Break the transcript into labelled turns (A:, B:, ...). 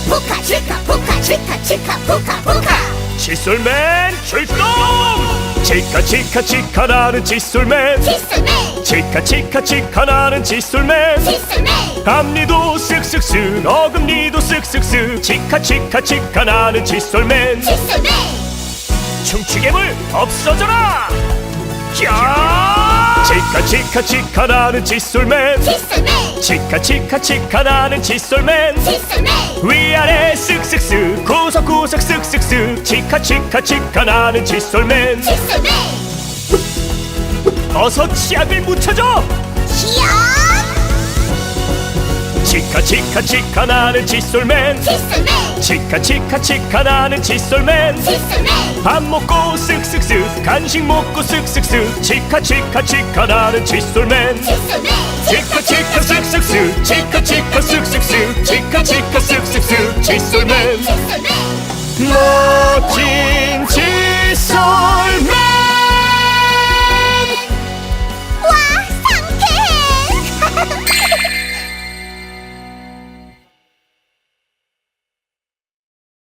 A: 포카 치카 포카 치카 치카 포카 포카.
B: 칫솔맨 출동! 치카 치카 치카 나는 칫솔맨.
A: 칫솔맨
B: 치카 치카 치카 나는 칫솔맨.
A: 칫솔맨
B: 앞니도 쓱쓱쓱 어금니도 쓱쓱쓱 치카 치카 치카 나는 칫솔맨.
A: 칫솔맨
B: 충치괴물 없어져라! 야! 치카 치카 치카 나는 칫솔맨.
A: 칫솔맨
B: 치카 치카 치카 나는 칫솔맨.
A: 칫솔맨
B: 위아래 쓱쓱쓱 구석구석 쓱쓱쓱 치카 치카 치카 나는 칫솔맨.
A: 칫솔맨
B: 어서 치약을 묻혀줘!
A: 치약
B: 치카 치카 치카 나는 칫솔맨.
A: 칫솔맨
B: 치카 치카 치카 나는 칫솔맨.
A: 칫솔맨
B: 밥 먹고 쓱쓱쓱 간식 먹고 쓱쓱쓱 치카 치카 치카 나는 칫솔맨.
A: 칫솔맨
B: 치카 치카 쓱쓱쓱 치카 치카 쓱쓱쓱 치카 치카 쓱쓱쓱 칫솔맨.
A: 칫솔맨
B: 멋진 칫솔맨.